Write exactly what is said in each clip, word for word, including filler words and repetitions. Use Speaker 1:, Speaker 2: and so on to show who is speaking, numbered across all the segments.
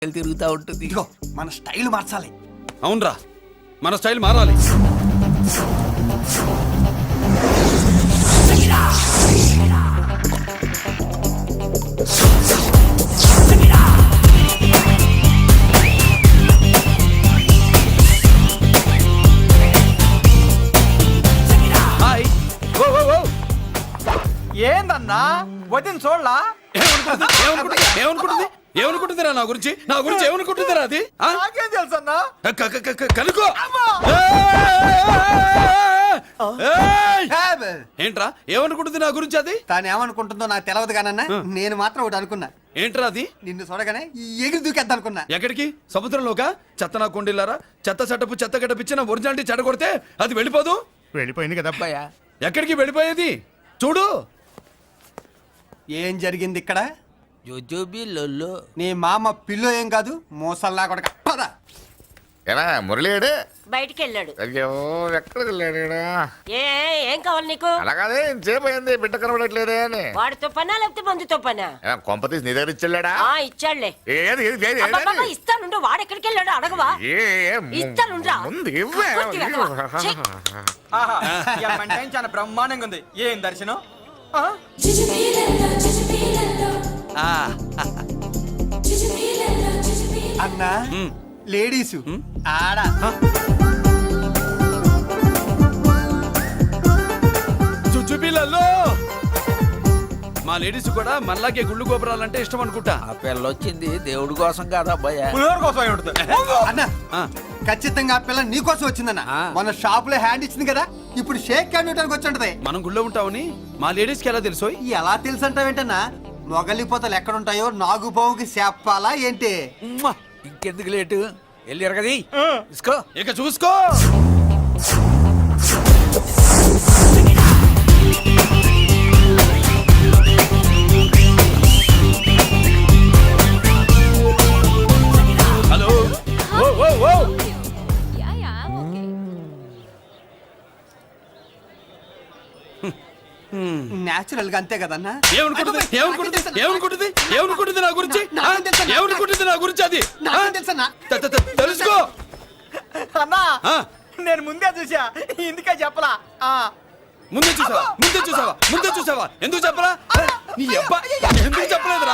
Speaker 1: తిరుగుతూ ఉంటుంది.
Speaker 2: ఇదిగో మన స్టైల్ మార్చాలి.
Speaker 3: అవునరా, మన స్టైల్ మారాలి. హాయ్. ఓ ఓ ఓ
Speaker 2: ఏందన్నా వదిన చూడలా?
Speaker 3: ఏమనుకుంటుంది ఏమనుకుంటుంది ఏమనుకుంటుంది ఏమనుకుంటుందిరా నా గురించి నా గురించి ఏమనుకుంటుందిరా అది? ఆ?
Speaker 2: నాకేం తెలుసు అన్నా?
Speaker 3: క- క- క- క- కనుకో. ఏయ్! ఏంట్రా ఏమనుకుంటుంది నా గురించి అది?
Speaker 2: తాను ఏమనుకుంటుందో నాకు తెలియదు కానన్నా, నేను మాత్రం ఒకటి అనుకున్నా.
Speaker 3: ఏంట్రా అది?
Speaker 2: నిన్ను చూడగానే ఎగిరి దూకేద్దాం అనుకున్నా.
Speaker 3: ఎక్కడికి? సముద్రంలోకా? చెత్త నా కొండిల్లారా, చెత్త చెట్టపు చెత్త గడ్డపిచ్చి నా ఒరిజినాలిటీ చెడగొడితే అది వెళ్ళిపోదు.
Speaker 1: వెళ్ళిపోయింది కదా అబ్బాయ.
Speaker 3: ఎక్కడికి వెళ్ళిపోయేది? చూడు
Speaker 2: ఏం జరిగింది ఇక్కడ?
Speaker 1: జోజోబి లొల్లో.
Speaker 2: నీ మామ పిల్లో ఏం కాదు, మోసల్లా కొడక. పద.
Speaker 4: ఏనా మురళీడు
Speaker 5: బయటికి వెళ్ళాడు.
Speaker 4: అయ్యో ఎక్కడికి వెళ్ళాడు?
Speaker 5: ఏ ఏం కావాలి నీకు?
Speaker 4: అలాగదే ఇంతసేపు అయింది బిడ్డ కనబడట్లేదే అని.
Speaker 5: వాడితో పనా లేకపోతే మందుతో పనా?
Speaker 4: ఏనా కొంప తీసి నీ దగ్గర ఇచ్చాడా?
Speaker 5: ఆ ఇచ్చాడులే.
Speaker 4: ఏది ఏది ఏది
Speaker 5: అబ్బబ్బబ్బ, ఇస్తానుండు. వాడు ఎక్కడికి వెళ్ళాడు అడగవా?
Speaker 4: ఏ ఏ ము-
Speaker 5: ఇస్తానుండ్రా.
Speaker 4: ముందు ఇవ్వే.
Speaker 5: కొద్ది వెధవ. ఛీ.
Speaker 2: ఆహా, ఈ అమ్మాయి టైం చాలా బ్రహ్మాండంగా ఉంది. ఏం దర్శనం? ఆ? అన్నా, లేడీసు ఆడ
Speaker 3: చుచ్చుపిల్లల్లో మా లేడీస్ కూడా మనలాగే గుళ్ళు గోపురాలంటే ఇష్టం అనుకుంటా.
Speaker 1: ఆ పిల్ల వచ్చింది దేవుడి కోసం కాదా అబ్బాయ.
Speaker 2: పులిహోర కోసం అయి ఉంటుంది. అన్నా,
Speaker 3: ఆ,
Speaker 2: ఖచ్చితంగా ఆ పిల్ల నీ కోసం వచ్చిందన్న.
Speaker 1: ఆ.
Speaker 2: మన షాప్ లో హ్యాండ్ ఇచ్చింది కదా, ఇప్పుడు షేక్ హ్యాండ్ ఇవ్వడానికి వచ్చి ఉంటది.
Speaker 3: మనం గుళ్ళో ఉంటామని మా లేడీస్కి ఎలా తెలుసోయ్?
Speaker 2: ఎలా తెలుసు అంటావేంటన్నా? మొగలిపోతలు ఎక్కడుంటాయో నాగుబావుకి చెప్పాలా ఏంటి?
Speaker 1: ఉమ్మా, ఇంకెందుకు లేటు? వెళ్ళి ఎరగది ఇసుకో.
Speaker 3: ఇక చూసుకో. హలో. ఓ ఓ ఓ
Speaker 2: నేచురల్ గా అంతే కదన్నా.
Speaker 3: ఏమనుకుంటుంది ఏమనుకుంటుంది ఏమనుకుంటుంది ఏమనుకుంటుంది నా గురించి? ఆ?
Speaker 2: నాకేం తెలుసన్నా?
Speaker 3: ఏమనుకుంటుంది నా గురించి అది? ఆ?
Speaker 2: నాకేం తెలుసన్నా?
Speaker 3: త- త- త- తెలుసుకో.
Speaker 2: అన్నా,
Speaker 3: ఆ,
Speaker 2: నేను ముందే చూసా, ఇందుకే చెప్పలా. ఆ.
Speaker 3: ముందే చూసావా ముందే చూసావా ముందే చూసావా ఎందుకు చెప్పరా? నీ అబ్బా ఎందుకు చెప్పలేదురా?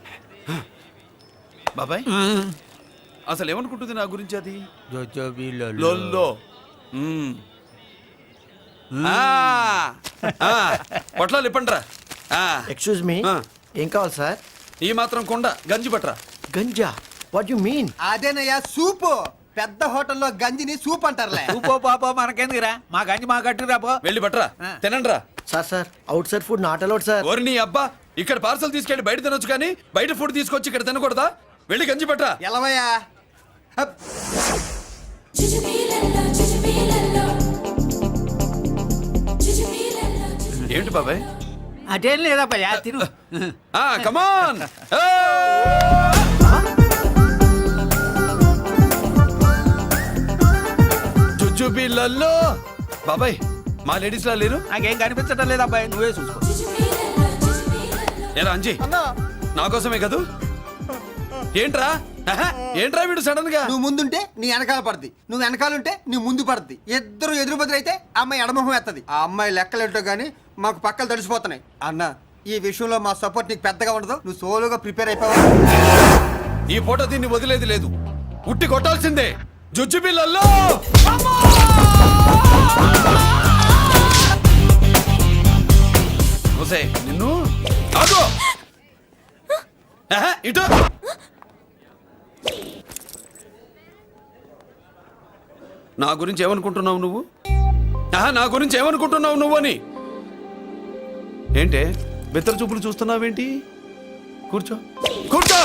Speaker 3: బాబాయ్ అసలు ఏమనుకుంటుంది నా గురించి అది?
Speaker 1: జోజోబి
Speaker 3: లొల్లో. మ్మ్. ఆ, ఆ, పొట్లాలు ఇప్పండిరా. ఆ,
Speaker 6: ఎక్స్క్యూజ్ మీ,
Speaker 3: ఆ.
Speaker 6: ఏం కావాలి సార్?
Speaker 3: ఈ మాత్రం కొండ గంజి పట్టరా.
Speaker 6: గంజా? What you mean?
Speaker 2: అదేనయ్యా సూపు. పెద్ద హోటల్లో గంజిని సూప్ అంటారులే.
Speaker 1: పో పాపో మనకెందుకురా, మా గంజి మా గట్టు రాపో.
Speaker 3: వెళ్ళి పట్టరా, తినండిరా.
Speaker 6: Sir sir, outside food not allowed sir.
Speaker 3: ఓరి నీ అబ్బా, ఇక్కడ పార్సల్ తీసుకెళ్ళి బయట తినొచ్చు కానీ బయట ఫుడ్ తీసుకొచ్చి ఇక్కడ తినకూడదా? వెళ్ళి గంజి పట్టరా.
Speaker 2: ఎలవయ్యా. హప్.
Speaker 3: ఏంటి బాబాయ్?
Speaker 1: అదేం లేదబ్బా, తిను.
Speaker 3: ఆ కమాన్. జుజుబిళ్ళల్లో బాబాయ్ మా లేడీస్ లా లేరు.
Speaker 1: నాకేం కనిపించడం లేదు అబ్బాయి, నువ్వే చూసుకో.
Speaker 3: ఏరా అంజీ, నా కోసమే కదూ? ఏంట్రా ఆహా, ఏంట్రా వీడు సడన్ గా?
Speaker 2: నువ్వు ముందుంటే నీ వెనకాల పడుద్ది, నువ్వు వెనకాలంటే నీ ముందు పడుద్ది. ఇద్దరు ఎదురు బదులు అయితే అమ్మాయి ఎడమొహం ఎత్తది. ఆ అమ్మాయి లెక్కలేంటో గానీ మాకు పక్కలు తడిసిపోతున్నాయి. అన్న, ఈ విషయంలో మా సపోర్ట్ నీకు పెద్దగా ఉండదు. నువ్వు సోలోగా ప్రిపేర్ అయిపోవాలి.
Speaker 3: ఈ ఫోటో దీన్ని వదిలేది లేదు, ఉట్టి కొట్టాల్సిందే. జుజుబిళ్ళల్లో ఒసే నిన్ను ఆగు. ఆహా, ఇటు. నా గురించి ఏమనుకుంటున్నావు నువ్వు? ఆహా, నా గురించి ఏమనుకుంటున్నావు నువ్వు అని. ఏంటే బెత్తర చూపులు చూస్తున్నావేంటి? కూర్చో కూర్చో.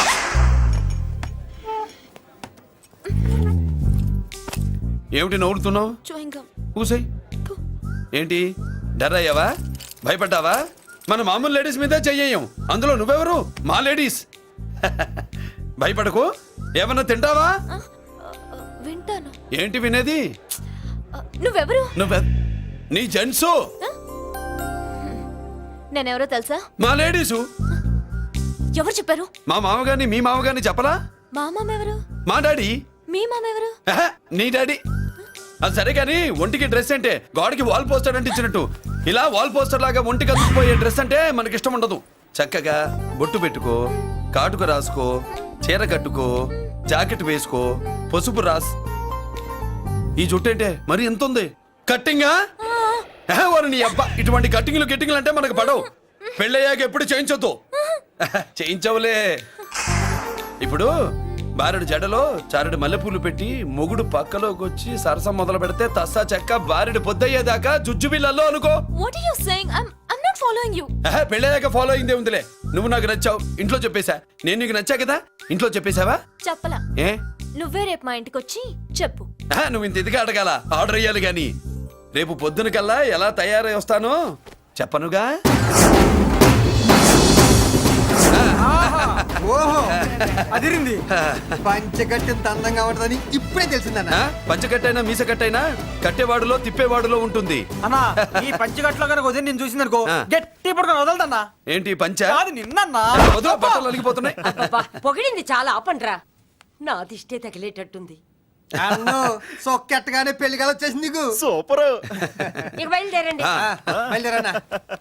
Speaker 3: ఏమిటి నవ్వుతున్నావు? కూసాయి. ఏంటి డర్ అయ్యావా? భయపడ్డావా? మన మామూలు లేడీస్ మీదే చెయ్యం, అందులో నువ్వెవరు? మా లేడీస్. భయపడకు. ఏమన్నా తింటావా?
Speaker 7: వింటాను.
Speaker 3: ఏంటి వినేది?
Speaker 7: నువ్వెవరు?
Speaker 3: నువ్వె నీ జెంట్సు.
Speaker 7: నేనెవరో తెలుసా?
Speaker 3: మా లేడీసు.
Speaker 7: ఎవరు చెప్పారు?
Speaker 3: మా మామగారిని మీ మామగారిని చెప్పలా?
Speaker 7: మా మామ ఎవరు?
Speaker 3: మా డాడీ.
Speaker 7: మీ మామ ఎవరు?
Speaker 3: ఆహా, నీ డాడీ. అది సరే కానీ ఒంటికి డ్రెస్ అంటే గోడకి వాల్ పోస్టర్ అంటే ఇచ్చినట్టు ఇలా వాల్ పోస్టర్ లాగా ఒంటికి అందుకుపోయే డ్రెస్ అంటే మనకి ఇష్టం ఉండదు. చక్కగా బొట్టు పెట్టుకో, కాటుక రాసుకో, చీర కట్టుకో, జాకెట్ వేసుకో, పసుపు రాస్. ఈ జుట్టు అంటే మరి ఎంత ఉంది? కట్టింగా వారు నీ అబ్బా. ఇటువంటి కట్టింగ్లు గిట్టింగ్లు అంటే మనకు పడవు. పెళ్ళయ్యాక ఎప్పుడు చేయించొద్దు. చేయించవులే. ఇప్పుడు బారెడు జడలో చారెడు మల్లెపూలు పెట్టి మొగుడు పక్కలోకి వచ్చి సరసం మొదలు పెడితే తస్సా చెక్క బారెడు పొద్దయ్యేదాకా జుజ్జు బిళ్ళల్లో అనుకో.
Speaker 7: What are you saying? I'm I'm not following you.
Speaker 3: ఆహా, పెళ్ళయ్యాక ఫాలో అయిందే ఉందిలే. నువ్వు నాకు నచ్చావు, ఇంట్లో చెప్పేశా. నేను నీకు నచ్చా కదా, ఇంట్లో చెప్పేశావా?
Speaker 7: చెప్పలా.
Speaker 3: ఏ
Speaker 7: నువ్వే రేపు మా ఇంటికి వచ్చి చెప్పు.
Speaker 3: ఆహా, నువ్వు ఇంత ఇదిగా అడగాల, ఆర్డర్ అయ్యాలి గాని. రేపు పొద్దున కల్లా ఎలా తయారై వస్తానో చెప్పనుగా.
Speaker 2: ఓహో అదిరింది. పంచగట్టెంత అందంగా ఉంటుందని ఇప్పుడే తెలిసిందన్న.
Speaker 3: ఆ, పంచకట్టైనా మీసకట్టైనా కట్టేవాడులో తిప్పేవాడులో ఉంటుంది.
Speaker 8: అన్నా ఈ పంచగట్లో కనుక వదిలి నేను చూసింది అనుకో
Speaker 3: ఆ.
Speaker 8: గట్టి పడుకొని వదలదన్నా.
Speaker 3: ఏంటి పంచ?
Speaker 8: కాదు నిన్నన్నా.
Speaker 3: వదిలో బట్టలు అలిగిపోతున్నాయి.
Speaker 5: అబ్బబ్బా, పొగిడింది చాలా ఆపండ్రా. నా దిష్టే తగిలేటట్టుంది.
Speaker 2: అన్ను సొక్కెట్టగానే పెళ్లి కల వచ్చేసింది నీకు.
Speaker 8: సూపర్.
Speaker 5: ఇక బయలుదేరండి.
Speaker 3: ఆ.
Speaker 2: బయలుదేరన్నా.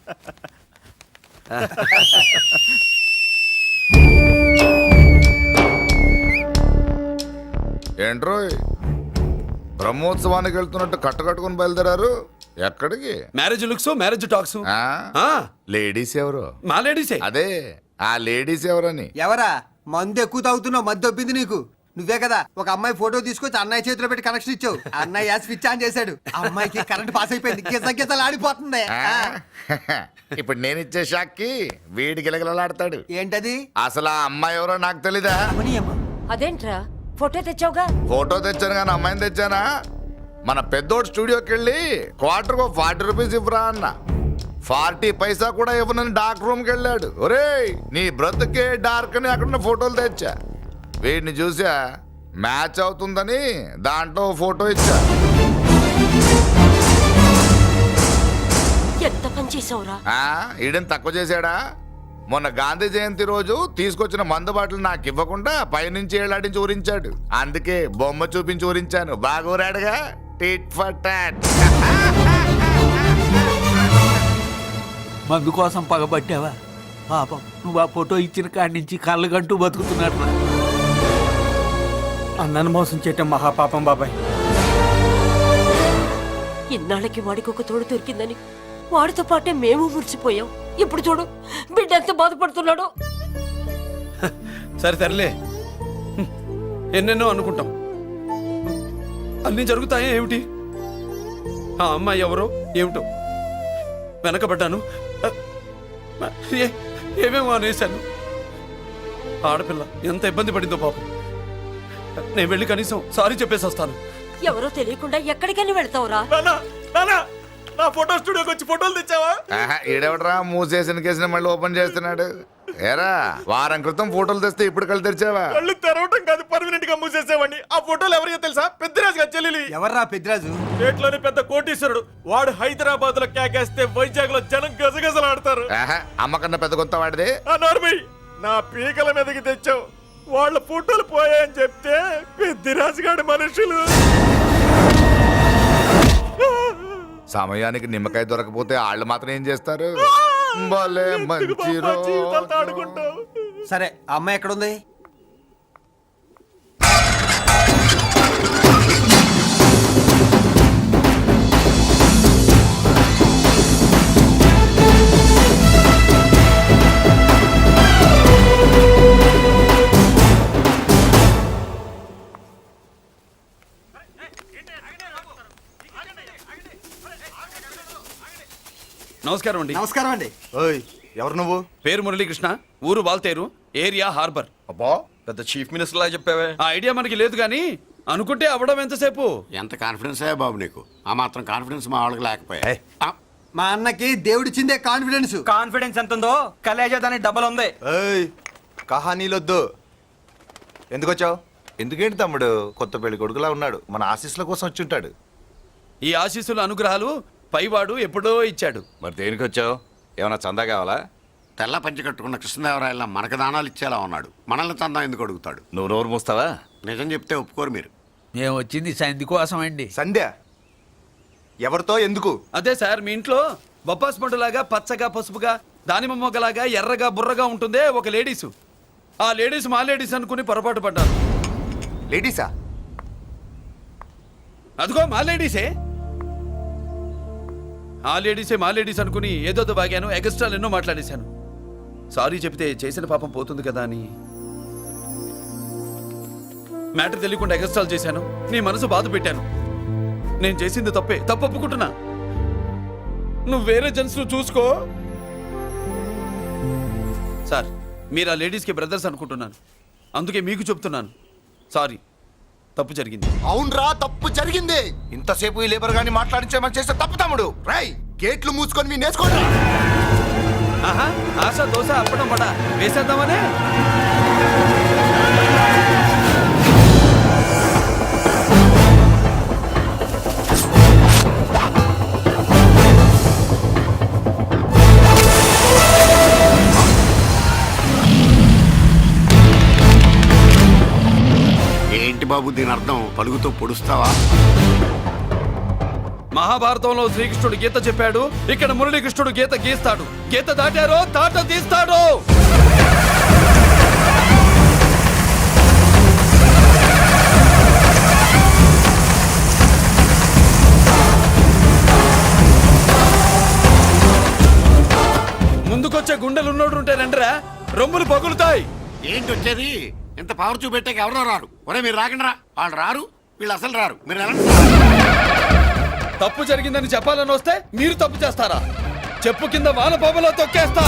Speaker 4: ఏంట్రోయ్ బ్రహ్మోత్సవానికి వెళ్తున్నట్టు కట్టకట్టుకుని బయలుదేరారు? ఎక్కడికి?
Speaker 3: Marriage looks, marriage talks.
Speaker 4: ఆ?
Speaker 3: ఆ,
Speaker 4: లేడీస్ ఎవరు?
Speaker 3: మా లేడీసే.
Speaker 4: అదే ఆ లేడీస్ ఎవరని.
Speaker 2: ఎవరా మందు ఎక్కువ తాగుతున్నావు? మధ్య ఒప్పింది నీకు. నువ్వే కదా ఒక అమ్మాయి ఫోటో తీసుకొచ్చి అన్నయ్య చేతిలో పెట్టి కనెక్షన్ ఇచ్చావు. అన్నయ్య స్విచ్ ఆన్ చేశాడు. అమ్మాయికి కరెంట్ పాస్ అయిపోయింది. గిజ గిజలు ఆడిపోతుంది.
Speaker 4: ఆ? ఇప్పుడు నేను ఇచ్చే షాక్కి వీడి గిలగిలలాడతాడు.
Speaker 2: ఏంటది?
Speaker 4: అసలు ఆ అమ్మాయి ఎవరో నాకు తెలీదా?
Speaker 5: అదేంట్రా ఫోటో తెచ్చావుగా?
Speaker 4: ఫోటో తెచ్చాను కానీ అమ్మాయిని తెచ్చానా? మన పెద్దోడు స్టూడియోకి వెళ్ళి క్వార్టర్ ఫార్టీ రూపీస్ ఇవ్వరా అన్న. ఫార్టీ పైసా కూడా ఇవ్వనని డార్క్ రూమ్కి వెళ్ళాడు. ఒరేయ్ నీ బ్రతుకే డార్క్ అని అక్కడ ఫోటోలు తెచ్చా. వీడిని చూసా మ్యాచ్ అవుతుందని దాంట్లో ఫోటో ఇచ్చా.
Speaker 5: ఎంత పని చేసావురా?
Speaker 4: ఆ, ఈడని తక్కువ చేశాడా? మొన్న గాంధీ జయంతి రోజు తీసుకొచ్చిన మందు బాటలు నాకు ఇవ్వకుండా పైనుంచి ఏలాడించి ఊరించాడు. అందుకే బొమ్మ చూపించి ఊరించాను. బాగా ఊరాడుగా. Tit for tat.
Speaker 1: మందు కోసం పగబట్టావా? పాపం నువ్వు ఆ ఫోటో ఇచ్చిన కాడి నుంచి కళ్ళు గంటూ బతుకుతున్నట్టు.
Speaker 8: అన్నను మోసం చేయటం మహాపాపం బాబాయ్.
Speaker 5: ఇన్నాళ్ళకి వాడికి ఒక తోడు దొరికిందని వాడితో పాటే మేము మురిసిపోయాం. ఇప్పుడు చూడు బిడ్డ ఎంత బాధపడుతున్నాడో.
Speaker 3: సరే తరలే, ఎన్నెన్నో అనుకుంటాం, అన్నీ జరుగుతాయా ఏమిటి? ఆ అమ్మాయి ఎవరో ఏమిటో వెనకబడ్డాను. ఏ- ఏమేమో అనేశాను. ఆడపిల్ల ఎంత ఇబ్బంది పడిందో పాపం. నేను వెళ్ళి కనీసం సారీ చెప్పేసి వస్తాను.
Speaker 5: ఎవరో తెలియకుండా ఎక్కడికైనా వెళ్తావురా?
Speaker 8: నానా నానా నా ఫోటో స్టూడియోకి వచ్చి ఫోటోలు తెచ్చావా?
Speaker 4: ఆహా, ఈడెవడరా మూసేసిన కేసుని మళ్ళీ ఓపెన్ చేస్తున్నాడు? ఏరా వారం క్రితం ఫోటోలు తెస్తే ఇప్పుడు కళ్ళు తెరిచావా?
Speaker 8: కళ్ళు తెరవటం కాదు, పర్మనెంట్ గా మూసేసేవాడిని. ఆ ఫోటోలు ఎవరికో తెలుసా? పెద్దరాజు గారి చెల్లెలి.
Speaker 2: ఎవర్రా పెద్దిరాజు?
Speaker 8: స్టేట్లోని పెద్ద కోటీశ్వరుడు వాడు. హైదరాబాద్ లో కేకేస్తే వైజాగ్ లో జనం గజగజలాడతారు.
Speaker 4: ఆహా, అమ్మకన్నా పెద్ద కొత్త వాడిది.
Speaker 8: ఆ నార్మల్ నా పీకల మీదకి తెచ్చావు. వాళ్ళ ఫోటోలు పోయాయని చెప్తే పెద్దిరాజు గారి మనుషులు.
Speaker 4: సమయానికి నిమ్మకాయ దొరకపోతే వాళ్ళు మాత్రం ఏం చేస్తారు? భలే మంచి రోజు.
Speaker 8: ఆడుకుంటావు.
Speaker 2: సరే ఆ అమ్మాయి ఎక్కడుంది?
Speaker 3: నమస్కారం అండి.
Speaker 2: నమస్కారం అండి.
Speaker 9: ఓయ్ ఎవరు నువ్వు?
Speaker 3: పేరు మురళీకృష్ణ, ఊరు వాల్తేరు, ఏరియా హార్బర్.
Speaker 9: అబ్బా పెద్ద చీఫ్ మినిస్టర్ లా చెప్పావే.
Speaker 3: ఆ ఐడియా మనకి లేదు కానీ అనుకుంటే అవ్వడం ఎంతసేపు?
Speaker 10: ఎంత కాన్ఫిడెన్స్ అయ్యా బాబు నీకు? ఆ మాత్రం కాన్ఫిడెన్స్ మా వాళ్ళకి లేకపోయా?
Speaker 9: ఏయ్.
Speaker 10: ఆ,
Speaker 2: మా అన్నకి దేవుడిచ్చిందే కాన్ఫిడెన్స్.
Speaker 8: కాన్ఫిడెన్స్ ఎంత ఉందో కలేజా దానికి డబల్ ఉంది.
Speaker 9: ఏయ్ కహానీలొద్దు. ఎందుకు వచ్చావు? ఎందుకేంటి తమ్ముడు కొత్త పెళ్లి కొడుకులా ఉన్నాడు. మన ఆశీస్సుల కోసం వచ్చి ఉంటాడు.
Speaker 3: ఈ ఆశీస్సుల అనుగ్రహాలు పైవాడు ఎప్పుడో ఇచ్చాడు.
Speaker 9: మరి దేనికి వచ్చావు? ఏమైనా చందా కావాలా?
Speaker 10: తెల్ల పంచి కట్టుకున్న కృష్ణదేవరాయల మనకు దానాలు ఇచ్చేలా ఉన్నాడు. మనల్ని తందా ఎందుకు అడుగుతాడు?
Speaker 9: నువ్వు నోరు మూస్తావా?
Speaker 10: నిజం చెప్తే ఒప్పుకోరు మీరు.
Speaker 1: మేము వచ్చింది సంధి కోసం అండి.
Speaker 9: సంధ్య ఎవరితో ఎందుకు?
Speaker 3: అదే సార్, మీ ఇంట్లో బొప్పాస్ పండులాగా పచ్చగా పసుపుగా దానిమ్మ మొగ్గలాగా ఎర్రగా బుర్రగా ఉంటుందే ఒక లేడీసు. ఆ లేడీస్ మా లేడీస్ అనుకుని పొరపాటు పడ్డాను.
Speaker 9: లేడీసా?
Speaker 3: అదిగో మా లేడీసే. ఆ లేడీసే మా లేడీస్ అనుకుని ఏదోదో బాగాను, ఎగస్ట్రాలు ఎన్నో మాట్లాడేశాను. సారీ చెప్తే చేసిన పాపం పోతుంది కదా అని మ్యాటర్ తెలియకుండా ఎగస్ట్రాలు చేశాను. నీ మనసు బాధ పెట్టాను. నేను చేసింది తప్పే, తప్పు ఒప్పుకుంటున్నా. నువ్వు వేరే జెంట్స్ చూసుకో. సార్, మీరు ఆ లేడీస్కి బ్రదర్స్ అనుకుంటున్నాను, అందుకే మీకు చెప్తున్నాను. సారీ, తప్పు జరిగింది.
Speaker 4: అవునరా, తప్పు జరిగింది. ఇంతసేపు ఈ లేబర్ గాని మాట్లాడించేమని చేస్తే తప్పు తమ్ముడు. రై, గేట్లు మూసుకొని మీ నేర్చుకోండి.
Speaker 3: ఆహా, ఆశ దోశ అప్పడం వడ వేసేద్దామనే.
Speaker 10: ఏంటి బాబు దీని అర్థం? పలుగుతో పొడుస్తావా?
Speaker 3: మహాభారతంలో శ్రీకృష్ణుడు గీత చెప్పాడు, ఇక్కడ మురళీకృష్ణుడు గీత గీస్తాడు. గీత దాటారో తాట తీస్తాడు. ముందుకొచ్చే గుండెలు ఉన్నోడు ఉంటే రండిరా, రొమ్ములు పగులుతాయి.
Speaker 10: ఏంటి వచ్చేది? ఇంత పవర్ చూపెట్టాక ఎవరో రారు. ఒరే మీరు రాకండి రా. వాళ్ళు రారు, వీళ్ళు అసలు రారు. మీరు ఎలా?
Speaker 3: తప్పు జరిగిందని చెప్పాలని వస్తే మీరు తప్పు చేస్తారా? చెప్పు కింద వాన బాబులో తొక్కేస్తా.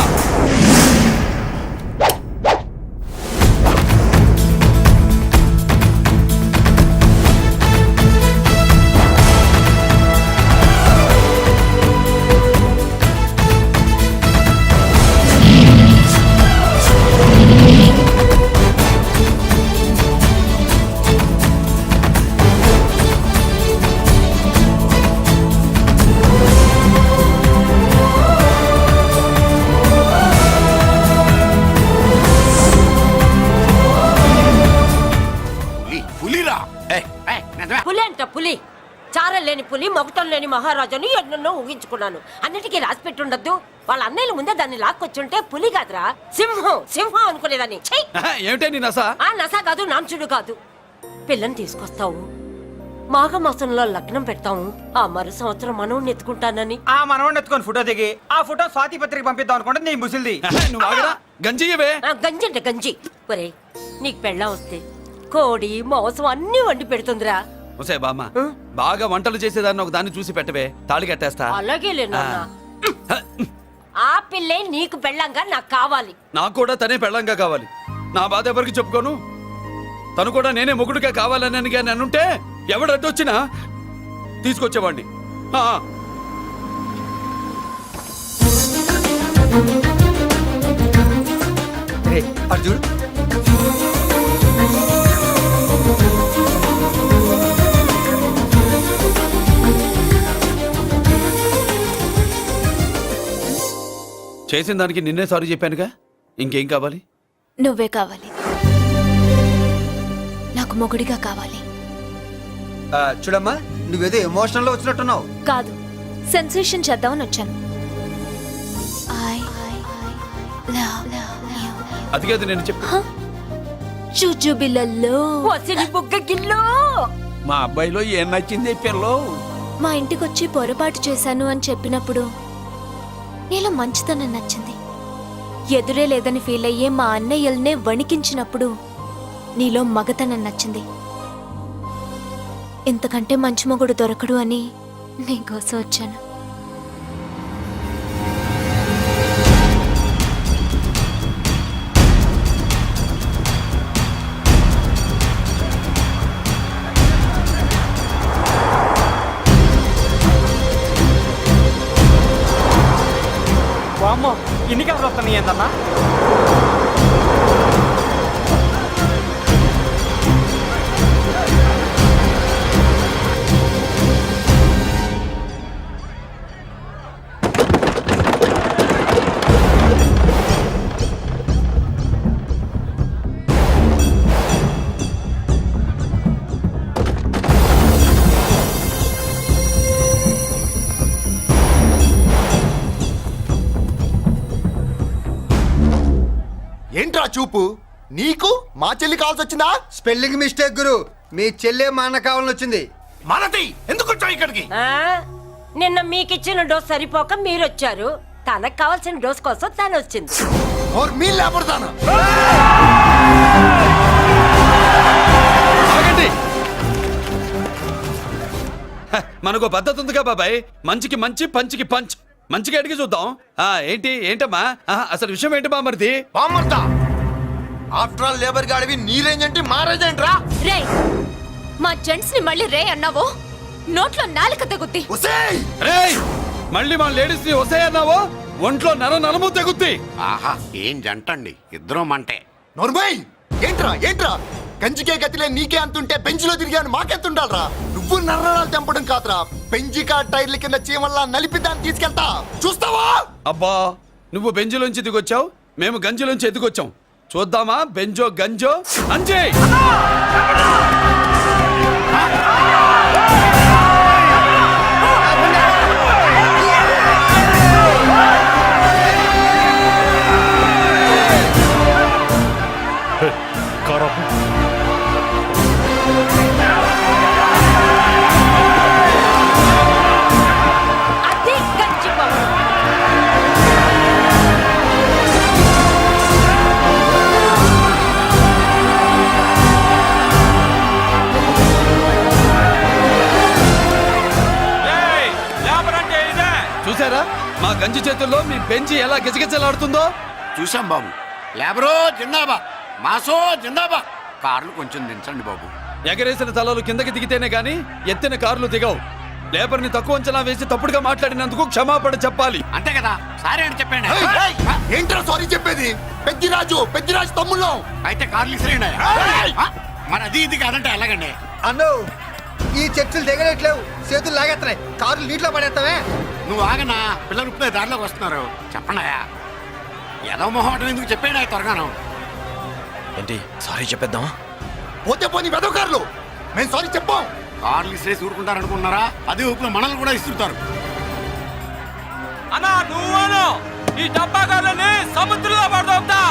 Speaker 10: పులి, పులిరా. ఏయ్, ఏయ్, నిజమే.
Speaker 5: పులి అంట పులి. చారం లేని పులి, మొగటం లేని మహారాజుని ఎన్నెన్నో ఊహించుకున్నాను. అన్నిటికీ రాసి పెట్టుండద్దు. వాళ్ళ అన్నయ్యల ముందే దాన్ని లాక్కొచ్చుంటే పులి కాదురా, సింహం సింహం అనుకునేదాన్ని. ఛీ!
Speaker 3: ఆహా, ఏమిటే నీ నస?
Speaker 5: ఆ నస కాదు, నాంచుడు కాదు. పిల్లని తీసుకొస్తావు, మాఘమాసంలో లగ్నం పెడతాము, ఆ మరు సంవత్సరం మనవుని ఎత్తుకుంటానని.
Speaker 2: ఆ మనవాడిని ఎత్తుకొని ఫోటో దిగి ఆ ఫోటో స్వాతి పత్రిక పంపిద్దాం అనుకుంటే నీ ముసిల్ది.
Speaker 3: ఆహా, నువ్వు ఆగరా, గంజియవే.
Speaker 5: ఆ, గంజి అంటే గంజి. ఒరే, నీకు పెళ్ళం వస్తే కోడి మాంసం అన్ని వండి పెడుతుందిరా.
Speaker 3: ఒసే బామ్మ, బాగా వంటలు చేసేదాన్ని ఒక దాన్ని చూసి పెట్టవే, తాళి కట్టేస్తా.
Speaker 5: అలాగే లేనా? ఆ పిల్లే నీకు పెళ్ళంగా నాకు కావాలి.
Speaker 3: నాకు కూడా తనే పెళ్ళంగా కావాలి. నా బాధ ఎవరికి చెప్పుకోను. తను కూడా నేనే మొగుడుగా కావాలని కానీ అనుంటే ఎవడు అడ్డొచ్చినా తీసుకొచ్చేవాడిని. ఆ,
Speaker 2: అర్జున్,
Speaker 3: చేసిన దానికి నిన్నే సారీ చెప్పానుగా, ఇంకేం కావాలి?
Speaker 7: నువ్వే కావాలి. నాకు మొగుడిగా కావాలి.
Speaker 2: చూడమ్మా, నువ్వేదో ఎమోషనల్ లో వచ్చినట్టున్నావు.
Speaker 7: కాదు, సెన్సేషన్ చేద్దామని వచ్చాను. I love you.
Speaker 3: అది కాదు నేను చెప్పు.
Speaker 7: చుచుబిళ్ళల్లో
Speaker 5: వసిని బుగ్గ గిల్లో.
Speaker 1: మా అబ్బాయిలో ఏం నచ్చింది పిల్లో?
Speaker 7: మా ఇంటికొచ్చి పొరపాటు చేశాను అని చెప్పినప్పుడు నీలో మంచితనం నచ్చింది. ఎదురే లేదని ఫీల్ అయ్యే మా అన్నయ్యల్నే వణికించినప్పుడు నీలో మగతనం నచ్చింది. ఇంతకంటే మంచి మొగుడు దొరకడు అని నీకోసం వచ్చాను.
Speaker 2: వామ్మో, ఇన్ని కలర్ వస్తున్నాయి ఏందన్నా?
Speaker 9: చూపు నీకు మా చెల్లి కావాల్సి వచ్చిందా?
Speaker 2: స్పెల్లింగ్ మిస్టేక్ గురు, మీ చెల్లె మా అన్న కావాలని వచ్చింది.
Speaker 10: మనది ఎందుకు వచ్చావు ఇక్కడికి?
Speaker 5: ఆ? నిన్న మీకిచ్చిన డోస్ సరిపోక మీరొచ్చారు, తనకు కావాల్సిన డోస్ కోసం తను వచ్చింది.
Speaker 9: और मी లేపడతాను.
Speaker 3: ఆగండి. హ, మనకు పద్ధతి ఉందిగా బాబాయ్, మంచికి మంచి పంచికి పంచ్. మంచిగా అడిగి చూద్దాం. ఆ ఏంటి ఏంటమ్మా ఆహా, అసలు విషయం ఏంటి బామర్ది?
Speaker 9: బామ్మర్తా ఆఫ్టర్ ఆల్ లేబర్ గాడివి నీ రేంజ్ అంటే మా రేంజ్ ఏంట్రా?
Speaker 7: రే మా జెంట్స్ ని మళ్ళీ రే అన్నావో నోట్లో నాలుక తెగుద్ది.
Speaker 9: ఒసేయ్
Speaker 3: రేయ్ మళ్ళీ మా లేడీస్ ని వస్తాయన్నావో ఒంట్లో నర నరము తెగుద్ది.
Speaker 10: ఆహా ఏం జంటండి, ఇద్దరం మంటే.
Speaker 9: నోర్మై ఏంట్రా ఏంట్రా కంచికే గతిలే నీకే అంతుంటే బెంచ్లో తిరిగాను మాకెంతుండాలరా? నువ్వు నర్రాలు తెంపడం కాదురా, పెంచికా టైర్ల కింద చీమల్లా నలిపి దాన్ని తీసుకెళ్తా చూస్తావా?
Speaker 3: అబ్బా నువ్వు బెంజులోంచి దిగొచ్చావు, మేము గంజిలోంచి ఎదిగొచ్చాం. చూద్దామా బెంజో గంజో అంజే.
Speaker 5: అది గంజిపోవడం.
Speaker 3: చూసారా మా గంజి చేతుల్లో మీ బెంజి ఎలా గిజగిజలాడుతుందో?
Speaker 10: చూసాం బాబు. లేబరో జిందాబా, మాసో జిందాబా. కార్లు కొంచెం దించండి బాబు.
Speaker 3: ఎగరేసిన తలలు కిందకి దిగితేనే గాని ఎత్తిన కార్లు దిగవు. లేబర్ ని తక్కువ అంచనా వేసి తప్పుడుగా మాట్లాడినందుకు క్షమాపణ చెప్పాలి.
Speaker 10: అంతే కదా, సారీ అని చెప్పండి.
Speaker 9: ఏయ్, ఏయ్, ఏంట్రా సారీ చెప్పేది? పెద్దిరాజు పెద్దిరాజు తమ్ముళ్ళం.
Speaker 10: అయితే కార్లు ఇసిరేయండి. మరి అది ఇది కాదంటే ఎలాగండి?
Speaker 2: అన్నో ఈ చర్చలు దిగలేట్లేవు, చేతులు లాగేస్తున్నాయి, కారులు నీటిలో పడేస్తావే.
Speaker 10: నువ్వు ఆగనా, పిల్లలు ఇప్పుడే దారిలోకి వస్తున్నారు. చెప్పండి ఏదో మొహం ఎందుకు చెప్పేయండి త్వరగాను.
Speaker 6: ఏంటి సారీ చెప్పేద్దాం?
Speaker 9: పోతే పోనీ వెదవకారులు మేము సారీ చెప్పాం.
Speaker 10: కార్లు ఇసిరేసి ఊరుకుంటారు అనుకున్నారా? అదే ఊపిలో మనల్ని కూడా ఇస్తుంటారు.
Speaker 1: అన్నా నువ్వు ఈ డబ్బా కార్లని సముద్రంలో పడతా.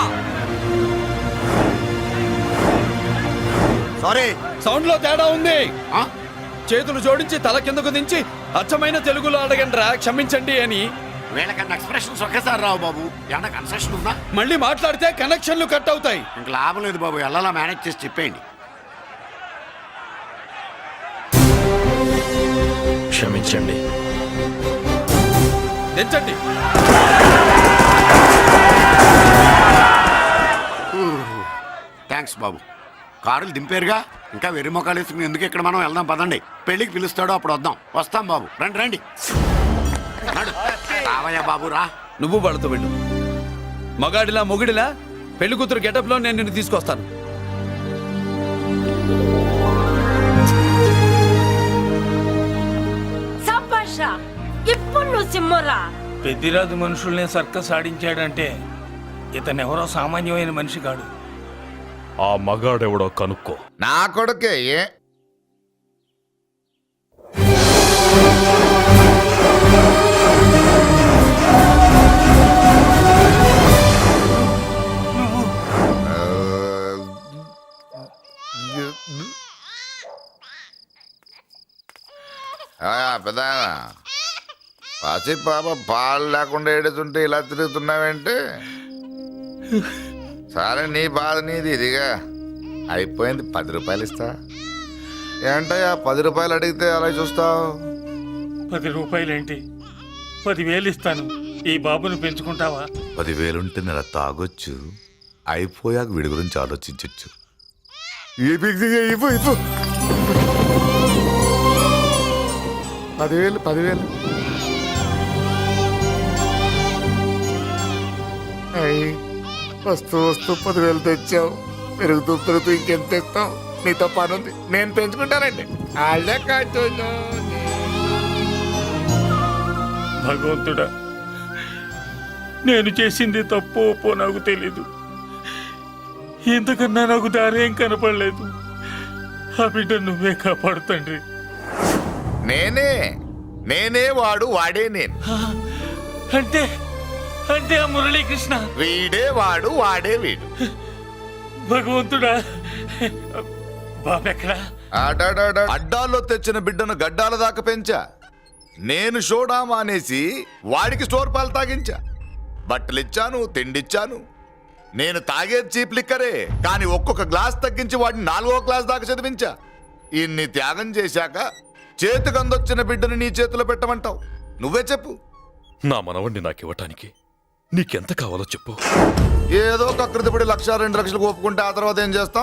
Speaker 9: సారీ
Speaker 3: సౌండ్ లో తేడా ఉంది.
Speaker 10: ఆ?
Speaker 3: చేతులు జోడించి తల కిందకు దించి అచ్చమైన తెలుగులో అడగండ్రా క్షమించండి అని.
Speaker 10: వీళ్ళకన్నా ఎక్స్ప్రెషన్స్ ఒకేసారి రావు బాబు. ఏమన్నా కన్సెషన్ ఉందా?
Speaker 3: మళ్ళీ మాట్లాడితే కనెక్షన్లు కట్ అవుతాయి.
Speaker 10: ఇంక లాభం లేదు బాబు, ఎలా మేనేజ్ చేసి చెప్పేయండి.
Speaker 6: క్షమించండి.
Speaker 3: దించండి.
Speaker 10: థ్యాంక్స్ బాబు. కారులు దింపారుగా, ఇంకా వెర్రి మొక్కలు వేసుకుని ఎందుకు ఇక్కడ మనం వెళ్దాం పదండి. పెళ్లికి పిలుస్తాడో అప్పుడు వద్దాం. వస్తాం బాబు, రండి రండి. నడు. రావయ్యా బాబు రా.
Speaker 3: నువ్వు వాళ్ళతో వెళ్ళు. మగాడిలా మొగుడిలా పెళ్లి కూతురు గెటప్ లో నేను నిన్ను తీసుకొస్తాను.
Speaker 5: సభాషా, ఇప్పుడు నువ్వు సింహరా.
Speaker 1: పెద్దిరాజు మనుషుల్ని సర్కస్ ఆడించాడంటే ఇతనెవరో సామాన్యమైన మనిషి కాడు.
Speaker 8: ఆ మగాడెవడో కనుక్కో.
Speaker 4: నా కొడుకే ఏ పెద్ద పసి పాప పాలు లేకుండా ఏడుతుంటే ఇలా తిరుగుతున్నావేంటి? సరే నీ బాధ నీది, ఇదిగా అయిపోయింది. పది రూపాయలు ఇస్తా. ఏంటయ్యా పది రూపాయలు అడిగితే అలా చూస్తావు?
Speaker 1: పది రూపాయలేంటి, పదివేలు ఇస్తాను. ఈ బాబును పెంచుకుంటావా?
Speaker 9: పదివేలుంటే నెల తాగొచ్చు, అయిపోయాక వీడి గురించి ఆలోచించచ్చు.
Speaker 4: పదివేలు పదివేలు అయ్యి వస్తూ వస్తూ పదివేలు తెచ్చావు. పెరుగుతూ పెరుగుతూ ఇంకెంత తెస్తావు? నీతో పని ఉంది, నేను పెంచుకుంటానండి. వాళ్ళే కాదు.
Speaker 1: భగవంతుడా, నేను చేసింది తప్పు ఒప్పో నాకు తెలీదు. ఇంతకన్నా నాకు దారేం కనపడలేదు. ఆ బిడ్డ నువ్వే కాపాడు తండ్రి.
Speaker 4: నేనే నేనే వాడు, వాడే నేను.
Speaker 1: అంటే అంటే ఆ మురళీకృష్ణ
Speaker 4: వీడే వాడు, వాడే వీడు.
Speaker 1: భగవంతుడా బాబెక్కడా?
Speaker 4: అడాడాడ. అడ్డాల్లో తెచ్చిన బిడ్డను గడ్డాల దాకా పెంచా. నేను షోడా మానేసి వాడికి స్టోర్ పాలు తాగించా. బట్టలిచ్చాను, తిండిచ్చాను. నేను తాగేది చీప్ లిక్కరే, కానీ ఒక్కొక్క గ్లాస్ తగ్గించి వాడిని నాలుగో క్లాస్ దాకా చదివించా. ఇన్ని త్యాగం చేశాక చేతికి అందొచ్చిన బిడ్డను నీ చేతిలో పెట్టమంటావు? నువ్వే చెప్పు.
Speaker 6: నా మనవణ్ణి నాకు ఇవ్వటానికి నీకెంత కావాలో చెప్పు.
Speaker 4: ఏదో కకృతిపడి లక్ష రెండు లక్షలకు ఒప్పుకుంటే ఆ తర్వాత ఏం చేస్తాం?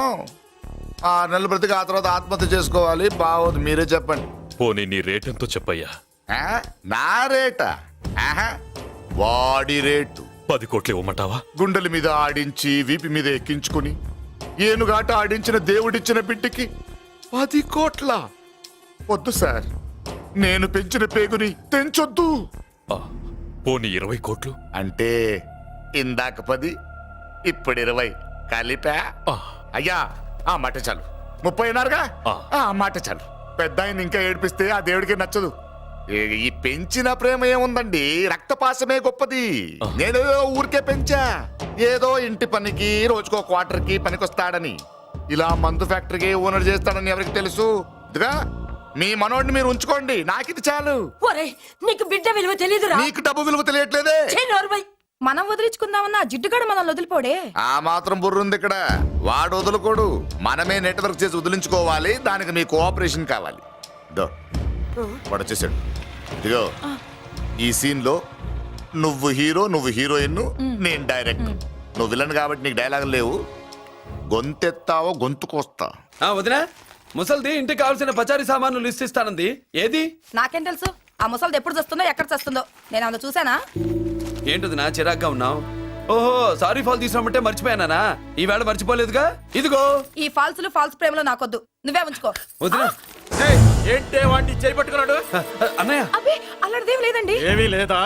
Speaker 4: ఆరు నెలలు బ్రతికి ఆ తర్వాత ఆత్మహత్య చేసుకోవాలి. బావోదు, మీరే చెప్పండి.
Speaker 6: పోనీ నీ రేటెంతో చెప్పయ్యా.
Speaker 4: ఆ? నా రేటా? ఆహా, వాడి రేటు.
Speaker 6: పది కోట్లు ఇవ్వమంటావా?
Speaker 4: గుండెల మీద ఆడించి వీపి మీద ఎక్కించుకుని ఏనుగాట ఆడించిన దేవుడిచ్చిన బిడ్డకి పది కోట్ల? వద్దు సార్, నేను పెంచిన పేగుని తెంచొద్దు.
Speaker 6: ఆ, పోనీ ఇరవై కోట్లు?
Speaker 4: అంటే ఇందాక పది, ఇప్పుడు ఇరవై కలిపా?
Speaker 6: ఆ.
Speaker 4: అయ్యా, ఆ మాట చాలు. ముప్పై అన్నారుగా,
Speaker 6: ఆ.
Speaker 4: ఆ మాట చాలు. పెద్ద ఆయన ఇంకా ఏడిపిస్తే ఆ దేవుడికి నచ్చదు. ఈ- ఈ పెంచిన ప్రేమ ఏముందండి, రక్తపాసమే గొప్పది. నేను ఊరికే పెంచా, ఏదో ఇంటి పనికి రోజుకో క్వార్టర్ కి పనికొస్తాడని. ఇలా మందు ఫ్యాక్టరీకి ఓనర్ చేస్తాడని ఎవరికి తెలుసు? ఇదిగా మీ మనోడిని మీరు ఉంచుకోండి, నాకిది చాలు.
Speaker 5: ఒరే నీకు బిడ్డ విలువ తెలీదురా?
Speaker 4: నీకు డబ్బు విలువ తెలియట్లేదే.
Speaker 5: ఛీ, నోర్మై.
Speaker 11: మనం వదిలించుకుందామన్నా జిడ్డుగాడు మనల్ని వదిలిపోడే.
Speaker 4: ఆ మాత్రం బుర్రుంది ఇక్కడ. వాడు వదులుకోడు, మనమే నెట్వర్క్ చేసి వదిలించుకోవాలి. దానికి మీ కోఆపరేషన్ కావాలి. దో వాడు వచ్చేసాడు. ఇదిగో ఈ సీన్ లో నువ్వు హీరో, నువ్వు హీరోయిన్, నేను డైరెక్టర్. నువ్వు విలన్ కాబట్టి నీకు డైలాగ్ లేవు. గొంతెత్తావో గొంతుకొస్తా.
Speaker 3: ఆ వదినా, ముసల్ది ఇంటికి కావాల్సిన పచారీ సామాన్లు లిస్ట్ ఇస్తానంది. ఏది?
Speaker 11: నాకేం తెలుసు ఆ ముసలిది ఎప్పుడు చస్తుందో ఎక్కడ చస్తుందో? నేను అందులో చూసానా?
Speaker 3: ఏంటది నా చిరాగ్గా ఉన్నావు? ఓహో, సారీ ఫాల్ తీసుకురామంటే మర్చిపోయానా? ఈవేళ మర్చిపోలేదుగా. ఇదిగో
Speaker 11: ఈ ఫాల్సులు ఫాల్స్ ప్రేమలో నాకొద్దు, నువ్వే ఉంచుకో.
Speaker 3: వదినా.
Speaker 8: ఏంటే వాడిని చేయి పట్టుకున్నాడు?
Speaker 3: అన్నయ్య,
Speaker 11: అబ్బే అలాంటిదేం లేదండి.
Speaker 8: ఏమీ లేదా?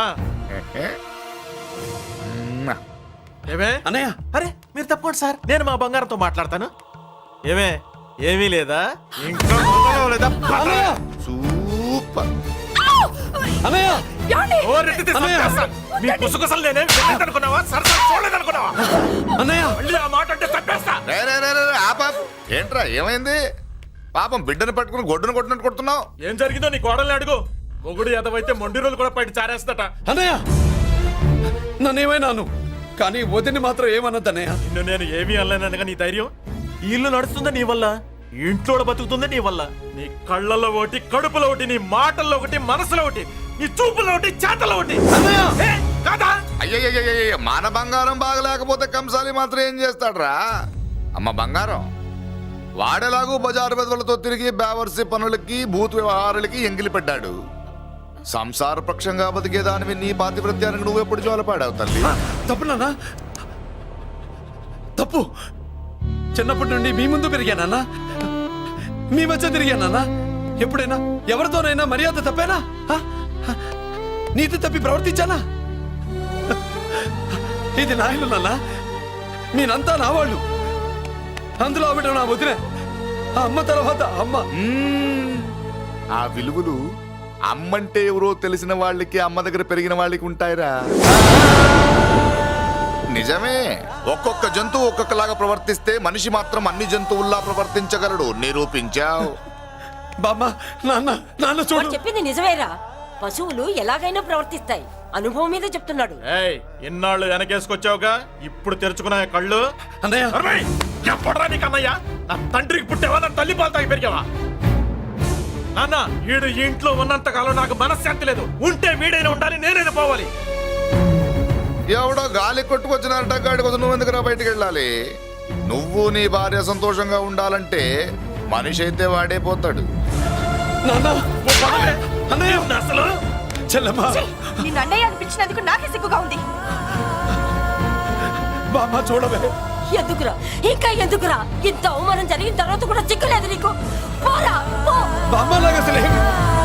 Speaker 8: ఏమే?
Speaker 3: అన్నయ్య,
Speaker 8: అరే మీరు తప్పుకోండి సార్, నేను మా బంగారంతో మాట్లాడతాను. ఏమే? ఏమీ లేదా? ఇంకా మొదలు లేదా?
Speaker 3: అన్నయ్య,
Speaker 4: సూపర్.
Speaker 3: అన్నయ్య,
Speaker 11: ఏమండి?
Speaker 8: ఓ రెడ్డి తీసి చంపేస్తా. మీ కుసకుసలు నేనేం అనుకున్నావా? సరసర చూడలేదనుకున్నావా?
Speaker 3: అన్నయ్య,
Speaker 8: మళ్ళీ ఆ మాట అంటే చంపేస్తా.
Speaker 4: రే, రే, రే, రే, రే, ఆపాప్. ఏంట్రా ఏమైంది? పాపం బిడ్డను పట్టుకుని గొడ్డును కొట్టినట్టు కొడుతున్నావు.
Speaker 8: ఏం జరిగిందో నీ కోడల్ని అడుగు. మొగుడు ఎదవైతే మొండి రోజులు కూడా బయట చారేస్తట.
Speaker 3: అన్నయ్య, నన్నేమైనాను కానీ వదిని మాత్రం ఏమన్నదన్నయ్య.
Speaker 8: నిన్ను నేను ఏమీ అనలేనగా నీ ధైర్యం. ఈ ఇల్లు నడుస్తుందా నీ వల్ల, ఈ ఇంట్లో బతుకుతుందా నీ వల్ల. నీ కళ్ళల్లో ఒకటి, కడుపులో ఒకటి, నీ మాటల్లో ఒకటి, మనసులో ఒకటి, నీ చూపులో ఒకటి, చేతల్లో ఒకటి. ఏ, కాదా?
Speaker 4: అయ్యయ్యయ్యయ్య, మన బంగారం బాగలేకపోతే కంసాలి మాత్రం ఏం చేస్తాడ్రా? అమ్మ బంగారం, వాడేలాగూ బజారు బెదవులతో తిరిగి బేవర్సి పనులకి, భూత్ వ్యవహారాలకి ఎంగిలి పెట్టాడు. సంసార పక్షంగా బతికేదానివి నీ పాతివృత్యానికి నువ్వు ఎప్పుడు జోలపాడావు తల్లి?
Speaker 3: తప్పు నాన్న, తప్పు. చిన్నప్పటి నుండి మీ ముందు పెరిగానన్నా, మీ మధ్య తిరిగానన్నా. ఎప్పుడైనా ఎవరితోనైనా మర్యాద తప్పేనా? హ? హ? నీతి తప్పి ప్రవర్తించానా? ఇది నా ఇల్లు నాన్న, మీరంతా నా వాళ్ళు. అందులో ఆవిడ నా వదిలే, ఆ అమ్మ తర్వాత అమ్మ.
Speaker 4: మ్మ్. ఆ విలువలు అమ్మంటే ఎవరో తెలిసిన వాళ్ళకి, అమ్మ దగ్గర పెరిగిన వాళ్ళకి ఉంటాయిరా. నిజమే, ఒక్కొక్క జంతువు ఒక్కొక్కలాగా ప్రవర్తిస్తే మనిషి మాత్రం అన్ని జంతువుల్లా ప్రవర్తించగలడు. నిరూపించావు.
Speaker 3: బామ్మ, నాన్న, నాన్న
Speaker 5: వాడు
Speaker 3: చూడు.
Speaker 5: చెప్పింది నిజమేరా. పశువులు ఎలాగైనా ప్రవర్తిస్తాయి. అనుభవం మీద చెప్తున్నాడు.
Speaker 8: ఏయ్, ఇన్నాళ్ళు వెనకేసుకొచ్చావుగా, ఇప్పుడు తెరుచుకున్నా కళ్ళు.
Speaker 3: అన్నయ్య,
Speaker 8: అరేయ్, ఎప్పుడురా నీకు అన్నయ్య? నా తండ్రికి పుట్టావా, నా తల్లి పాలు తాగి పెరిగావా? నాన్న, వీడు ఈ ఇంట్లో ఉన్నంత కాలం నాకు మనశ్శాంతి లేదు. ఉంటే వీడైనా ఉండాలి, నేనైనా పోవాలి.
Speaker 4: ఎవడో గాలి కొట్టుకొచ్చినారట, గాడి కోసం నువ్వు ఎందుకురా బయటికి వెళ్ళాలి? నువ్వు నీ భార్య సంతోషంగా ఉండాలంటే మనిషి అయితే వాడే పోతాడు.
Speaker 3: నాన్న,
Speaker 8: ఓ పదవే.
Speaker 3: అన్నయ్య,
Speaker 8: నిన్ను అసలు
Speaker 3: చెల్లమ్మా,
Speaker 11: నిన్ను అన్నయ్య అనిపించినందుకు నాకే సిగ్గుగా ఉంది.
Speaker 3: బామ్మ చూడవే.
Speaker 5: ఎందుకురా, ఇంకా ఎందుకురా? ఇంత అవమానం జరిగిన తర్వాత కూడా చిక్కలేదు నీకు? పోరా, పో.
Speaker 3: బామ్మ లాగా అసలు ఏమి-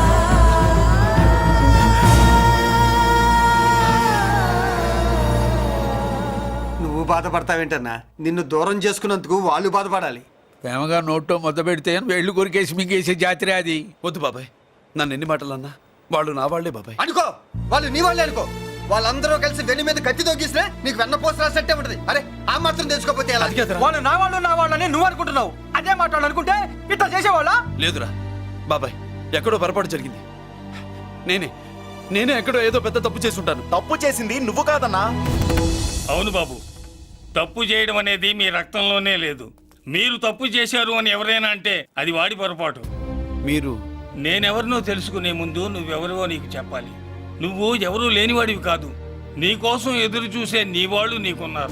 Speaker 2: నువ్వు బాధపడతావేంటన్నా? నిన్ను దూరం చేసుకున్నందుకు వాళ్ళు బాధపడాలి.
Speaker 1: ప్రేమగా నోట్లో మొద్ద పెడితే వేళ్ళు కొరికేసి మింగేసే జాతర అది.
Speaker 3: వద్దు బాబాయ్, నన్ను ఎన్ని మాటలు అన్నా వాళ్ళు నా వాళ్లే బాబాయ్.
Speaker 2: అనుకో, వాళ్ళు నీ వాళ్ళే అనుకో. వాళ్ళందరూ కలిసి వెన్ను మీద కత్తి తొగిసినా నీకు వెన్న పోసి రాసినట్టే ఉంటది. అరే ఆ మాత్రం తెలుసుకోకపోతే ఎలా?
Speaker 3: అది కాదురా.
Speaker 8: వాళ్ళు నా వాళ్ళు నా వాళ్ళని నువ్వు అనుకుంటున్నావు. అదే మాట్లాడాలనుకుంటే ఇట్లా చేసేవాళ్ళ.
Speaker 3: లేదురా బాబాయ్, ఎక్కడో పొరపాటు జరిగింది. నేనే నేనే ఎక్కడో ఏదో పెద్ద తప్పు చేసి ఉంటాను.
Speaker 8: తప్పు చేసింది నువ్వు కాదన్నా.
Speaker 1: అవును బాబు, తప్పు చేయడం అనేది మీ రక్తంలోనే లేదు. మీరు తప్పు చేశారు అని ఎవరైనా అంటే అది వాడి పొరపాటు.
Speaker 3: మీరు
Speaker 1: నేనెవరినో తెలుసుకునే ముందు నువ్వెవరివో నీకు చెప్పాలి. నువ్వు ఎవరూ లేనివాడివి కాదు. నీ కోసం ఎదురు చూసే నీ వాళ్ళు నీకున్నారు.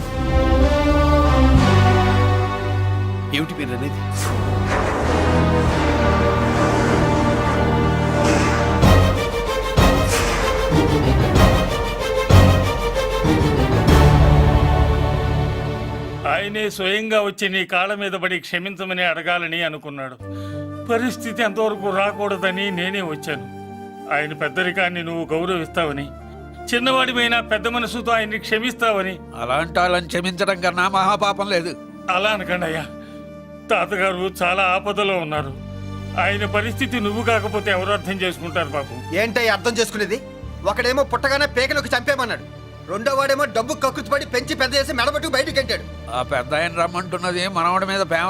Speaker 3: ఏమిటి మీరు అనేది?
Speaker 1: ఆయనే స్వయంగా వచ్చి నీ కాళ్ళ మీద పడి క్షమించమని అడగాలని అనుకున్నాడు. పరిస్థితి అంతవరకు రాకూడదని నేనే వచ్చాను. ఆయన పెద్దరికాన్ని నువ్వు గౌరవిస్తావని, చిన్నవాడిపైన పెద్ద మనసుతో ఆయన్ని క్షమిస్తావని.
Speaker 12: అలాంటి వాళ్ళని క్షమించడం కన్నా మహాపాపం లేదు.
Speaker 1: అలా అనకండి అయ్యా. తాతగారు చాలా ఆపదలో ఉన్నారు. ఆయన పరిస్థితి నువ్వు కాకపోతే ఎవరు అర్థం చేసుకుంటారు బాబు?
Speaker 2: ఏంటో అర్థం చేసుకునేది? ఒకడేమో పుట్టగానే పేకలోకి చంపేమన్నాడు, రెండో వాడేమో డబ్బు కక్కుతుపడి పెంచి పెద్ద చేసి మెడబట్టు బయటికి గంటాడు.
Speaker 12: ఆ పెద్ద ఆయన రమ్మంటున్నది మనవడి మీద ప్రేమ